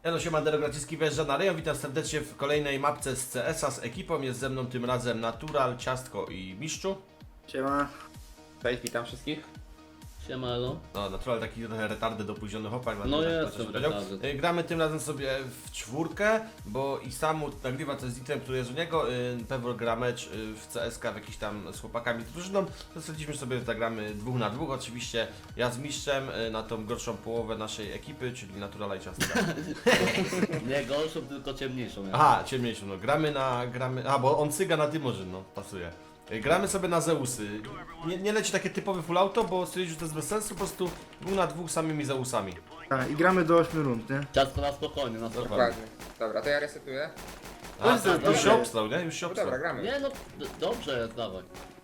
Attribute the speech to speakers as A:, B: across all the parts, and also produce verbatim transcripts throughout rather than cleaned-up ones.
A: Elo, siema, Derograciski wjeżdża na rejon. Witam serdecznie w kolejnej mapce z C S a z ekipą. Jest ze mną tym razem Natural, Ciastko i Miszczu.
B: Siema.
C: Cześć, witam wszystkich.
D: Siema, elo.
A: No, Natural taki trochę retardy, dopóźniony chłopak.
D: No
A: tak
D: jestem
A: ktoś powiedział.
D: retardy.
A: Y, Gramy tym razem sobie w czwórkę, bo i samu nagrywa to z Item, który jest u niego. y, Pewor gra mecz y, w C S k w jakiś tam z chłopakami z drużyną. To stwierdziliśmy sobie, że zagramy dwóch na dwóch. Oczywiście ja z Mistrzem y, na tą gorszą połowę naszej ekipy, czyli Naturala i Ciastka.
D: Nie gorszą, tylko ciemniejszą. Ja.
A: Aha, ciemniejszą, no gramy na, gramy, a bo on cyga na Dymorzyn, no pasuje. Y, Gramy sobie na Zeusy. Nie, nie leci takie typowe full auto, bo stwierdził, że to jest bez sensu, po prostu dwóch na dwóch samymi Zeusami.
B: A, i gramy do ośmiu rund, nie?
D: Ciastko na spokojnie, na spokojnie.
C: Dokładnie. Dobra, to ja resetuję.
A: A,
B: Dobrze,
A: tak, już
B: dobrze.
A: się obstał, nie? Już się
C: No
A: obstał.
C: dobra, gramy.
D: Nie no, d- dobrze jest, dawaj.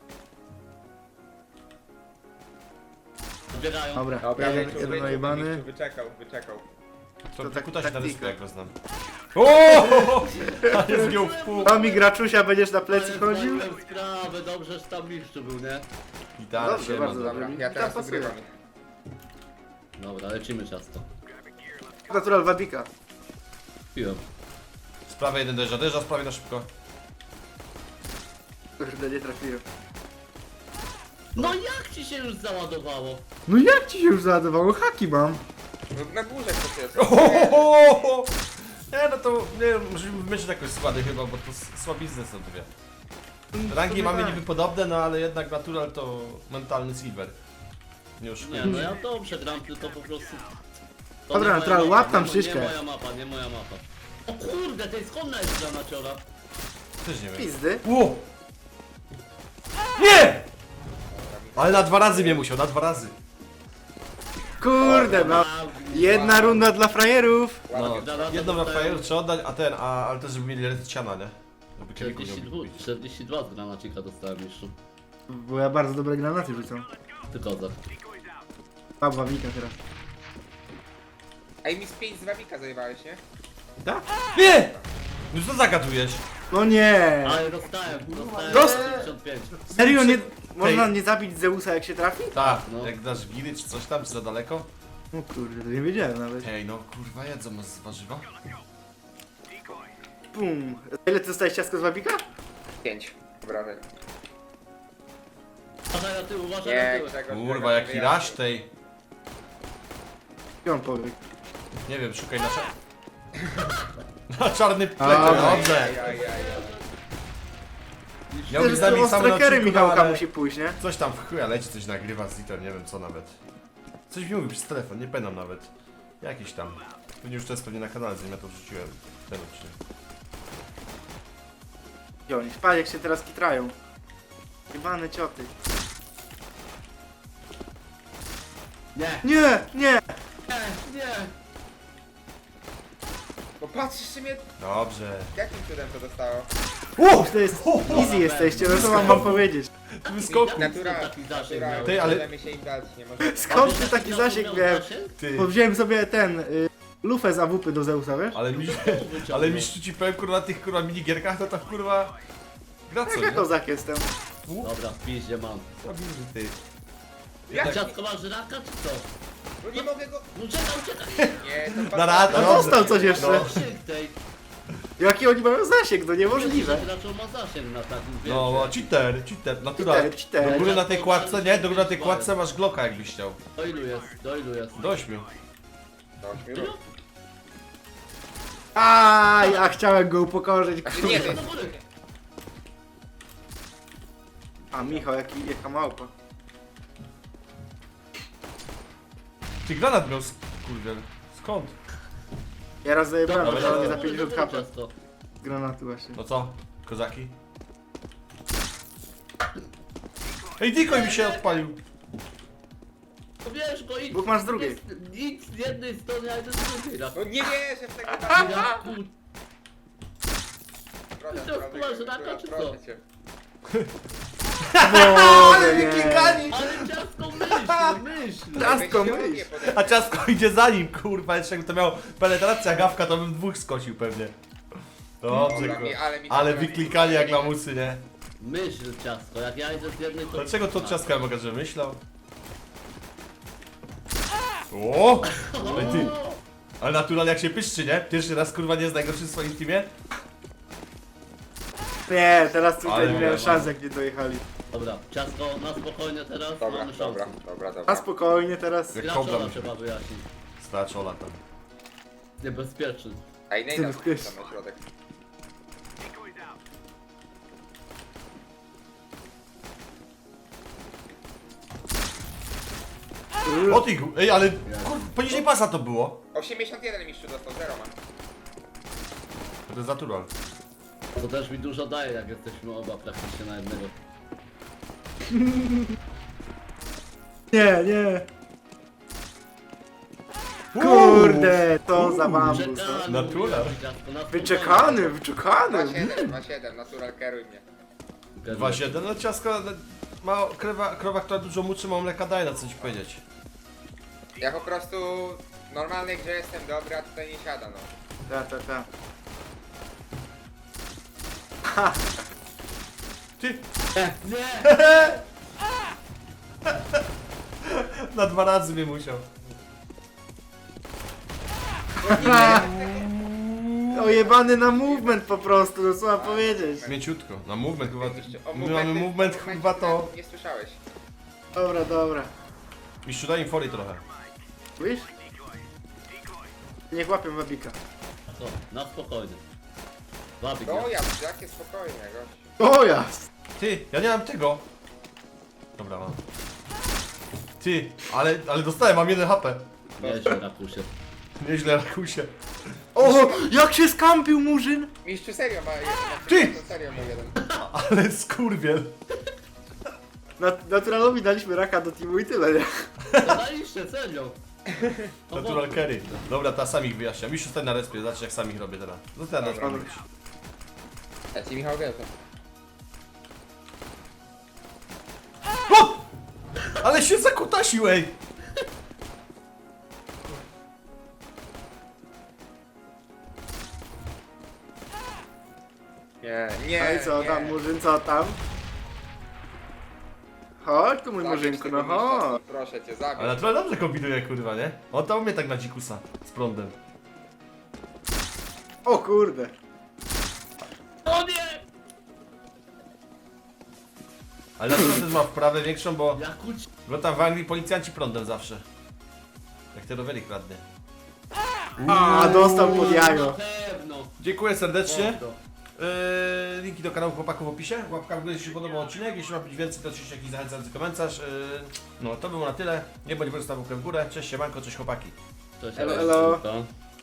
D: Zbiegają.
B: Dobra,
C: Dobra,
B: jeden,
C: wyczuł,
B: jeden
C: wyczuł,
B: najebany.
C: wyczuł, wyczekał, wyczekał.
A: To,
B: To tak-
A: kuta się na
B: taktyka.
A: dysku, jak go znam. Ooo! Ale zgiął w pół.
B: To mi graczusia będziesz na plecy
D: Ale
B: chodził?
D: zdałem sprawę, dobrze, że tam mistrzu był, nie?
A: Gitara
B: Dobrze,
A: się
B: bardzo
A: ma.
B: dobrze.
C: Dobra, ja teraz
B: Tam pasuje.
C: ugrywam.
D: Dobra, lecimy ciasto.
B: Natural Wabika.
D: Piłem.
A: Sprawa jeden dojeżdża, dojeżdża sprawie na szybko.
B: Kurde, nie trafiłem.
D: No jak ci się już załadowało?
B: No jak ci się już załadowało? Haki mam.
C: No na górze ktoś jest.
A: Ohohoho! Nie, no to nie wiem, musimy wymyślić jakoś składy chyba, bo to s- słabizny są dwie. Rangi
B: To
A: mamy
B: tak.
A: niby podobne, no ale jednak Natural to mentalny silver. Nie już.
D: Nie no, ja dobrze gram, tylko po prostu... To
B: Dobra,
D: nie moja
B: Natural,
D: mapa,
B: łap tam
D: nie mo-
B: szyszkę.
D: Nie moja mapa, nie moja mapa. O kurde, to jest skąd jest granaciora?
A: Też nie wiem.
B: Pizdy.
A: Ło! Nie! Ale na dwa razy mnie musiał, na dwa razy.
B: Kurde, no. Jedna runda dla frajerów.
A: No,
D: Ładnie.
A: jedną na
D: Dostają-
A: fajer trzeba oddać, a ten, a, ale też żeby mieli recyciana, nie? Żeby kiedyś
D: czterdzieści dwa, czterdzieści dwa z granacika dostałem mistrzu.
B: Bo ja bardzo dobre granaty rzucam.
D: Ty kozak.
B: Mam Wabika teraz.
C: Ej, mi z pięć z wabika zajebałeś, nie?
B: Tak?
A: Nie! No co zagadujesz?
B: No nie.
D: Ale dostałem, dostałem
B: Dost-
D: dziewięćdziesiąt pięć.
B: Serio, nie... Można nie zabić Zeusa jak się trafi?
A: Tak,
D: No.
A: jak dasz giry czy coś tam, czy za daleko?
B: No kurde, to nie wiedziałem nawet.
A: Hej, no kurwa jedzą z warzywa.
B: Pum. A ile ty dostałeś ciastko z Wabika?
C: Pięć. Dobra, wy-
D: Uważaj na tył, uważaj na
C: Nie,
D: tył.
C: Grzegorz,
A: Kurwa,
C: Grzegorz,
A: jaki
C: wyjaśnij.
A: rasz tej.
B: I on powie.
A: Nie wiem, szukaj na czar... na czarny
B: A,
A: plecie, dobrze.
C: Aj, aj, aj, aj.
A: Miał być z nami
B: O
A: sam na
B: trackery
A: odcinku,
B: Michałka
A: ale
B: musi pójść, nie?
A: coś tam w chuja leci, coś nagrywa z Ziter, nie wiem co nawet. Coś mi mówi przez telefon, nie pamiętam nawet. Jakiś tam. Pewnie już to jest pewnie na kanale, zanim ja to wrzuciłem. Ten odcinek.
B: I oni, patrz jak się teraz kitrają. Jebane cioty.
D: Nie,
B: Nie, nie!
D: nie, nie.
C: Bo patrz, mnie...
A: Dobrze.
C: Jakim cudem to dostało?
A: Uuu!
B: To jest easy jesteście, no co mam wam powiedzieć?
A: Wyskoku.
C: Natura,
D: Taki zasięg
C: natura,
D: miał.
A: Ty, ale-
C: możemy się im dać, nie możemy.
B: Skąd ty taki zasięg miałem?
A: Ty.
B: Bo wziąłem sobie ten, y, lufę z A W P do Zeusa, wiesz?
A: Ale mi, ale mi ci powiem kurwa na tych kurwa minigierkach, to tak kurwa... Gra co,
B: Tak
A: nie?
B: jak kozak jestem.
D: Dobra, w piździe mam.
A: Słabizny, ty.
C: Jak?
D: Ciastko masz raka czy co?
C: No nie mogę go...
D: No uciekaj, uciekaj.
C: Nie, to
A: Na rad-
B: No
A: Dobrze.
B: dostał coś jeszcze.
A: No.
D: Zasięg tej.
B: Jaki oni mają zasięg, no niemożliwe.
D: Raczej ma zasięg na takim, wiesz.
A: No, cheater, cheater, natura.
B: Cheater, cheater.
A: Do góry na tej kładce, nie? Do góry na tej kładce masz Glocka jakbyś chciał.
D: Do ilu jest, do ilu jest?
A: Do ośmiu.
C: Do ośmiu rund.
B: A ja chciałem go upokorzyć,
C: Znaczy nie, to
B: kurwa.
C: jest...
D: Do góry.
B: A Michał, jaki, jaka małpa.
A: Ty granat miał, sk- kurde. Skąd?
B: Ja raz zajebałem,
A: Dobra,
B: ale nie
A: dobra.
B: za pięćdziesiąt kapa
D: Ciasto.
B: z granatu właśnie.
A: No co? Kozaki? Ej, decoy mi się odpalił.
D: No wiesz, bo idź.
B: Dwóch masz z drugiej.
D: Jest- Idź z jednej strony, a jeden z drugiej.
C: No nie wierzę w tego
D: Ja kur...
C: Proszę,
D: To wpływasz
C: proszę,
D: raka, czy co?
C: proszę cię.
B: Boże, nie.
A: Klikani!
D: Ale ciastko myśl, myśl.
B: Ciastko
C: Weź się
B: myśl.
C: lubię pode-
A: A ciastko idzie za nim, kurwa, jeszcze jakby to miał penetracja gawka, to bym dwóch skosił pewnie. Dobrze,
C: Dobra, mi-
A: kurwa.
C: ale mi-
A: Ale wyklikali jak lamusy, nie?
D: Myśl ciastko, jak ja idę z jednej to...
A: Dlaczego to od ciastka mogę, że myślał? O! Ale ty! Ale natural jak się pyszczy, nie? Pierwszy raz kurwa nie jest najgorszy w swoim teamie.
B: Nie, teraz tutaj
A: Ale
B: nie
A: nie
B: miałem
A: ma.
B: szans jak nie dojechali.
D: Dobra, ciasto na spokojnie teraz,
C: Dobra,
D: mamy
C: dobra,
D: szansę.
C: dobra,
B: A
C: dobra.
B: spokojnie teraz.
A: Jak
D: Graczola
A: kobra
D: trzeba wyjaśnić.
A: Straczola tam.
D: Niebezpieczny.
C: A i
B: Ty
C: Nejda
B: bezpieczny.
C: tam na środek.
A: O ty, gu- ej, ale kur... poniżej pasa to było.
C: osiemdziesiąt jeden mistrzu dostał, zero ma.
A: To jest natural.
D: To też mi dużo daje, jak jesteśmy oba praktycznie na jednego.
B: Nie, nie. Kurde, to za bambus. no.
D: Czekany,
A: Natural.
D: mówię, ciastko, na
B: Wyczekany,
C: dwa
B: wyczekany.
C: siedem, dwa siedem, natural kieruj mnie.
D: spokojnie.
A: dwa siedem, no ciasko, no, ma krowa, krowa, która dużo muczy, ma mleka daje, na co ci powiedzieć.
C: Ja po prostu normalnie gdzie jestem dobry, a tutaj nie siada no.
B: Ta, ta, ta.
A: Ty,
D: Nie!
A: na dwa razy mnie musiał.
B: Ojebany na movement po prostu, no co mam powiedzieć.
A: Mięciutko, na movement chyba,
C: O,
A: my mamy movement chyba to...
C: Nie słyszałeś.
B: Dobra, dobra.
A: Mistrzu, daj im fory trochę.
B: Wiesz? Niech łapią wabika.
D: Co? Na spokojnie. Wabik,
C: No
D: nie?
C: ja, jakie spokojnie gość.
B: O jas!
A: Ty, ja nie mam tego. Dobra, mam. Ty, ale, ale dostałem, mam jeden H P.
D: Nieźle, Rakusie.
A: Nieźle, Rakusie.
B: O, jak się skampił murzyn!
C: Mistrzu serio ma jeden.
A: Ty!
C: Serio ma jeden.
A: Ale skurwiel.
B: Nat naturalowi daliśmy raka do teamu i tyle, nie?
D: Zadaliście, serio. No
A: Natural
D: bo-
A: carry. Dobra, ta sam ich wyjaśnia. Mistrzu, stań na respie, zobacz jak sam ich robię teraz. Zostań na
C: Dobra.
A: respie.
C: Ja ci Michał wierzę.
A: O! Ale się zakutasił, ej!
C: Nie, nie,
B: No i co
C: nie.
B: tam, murzyn, co tam? Chodź tu mój
C: Zabierz
B: murzynku,
C: tego
B: no
C: mistrza
B: chodź.
C: stąd, proszę cię, zabierz.
A: Ale natural dobrze kombinuje, kurwa, nie? On dał mnie tak na dzikusa. Z prądem.
B: O kurde.
D: O nie!
A: Ale natural też ma wprawę większą, bo...
D: Jakuć.
A: Bo tam w Anglii policjanci prądem zawsze. Jak te rowery kradnie.
B: A, dostał pod
D: Na
B: jajo.
D: pewno.
A: Dziękuję serdecznie.
D: Pozdro.
A: Yy, linki do kanału chłopaków w opisie. Łapka w górę, jeśli się podobał odcinek. Jeśli ma być więcej, to oczywiście jakiś zachęcający komentarz. Yy, no to było na tyle. Nie bądź zostaw łapkę w górę. Cześć siemanko, cześć chłopaki.
D: Cześć,
B: Elo,
D: Elo,
B: elo.
D: elo.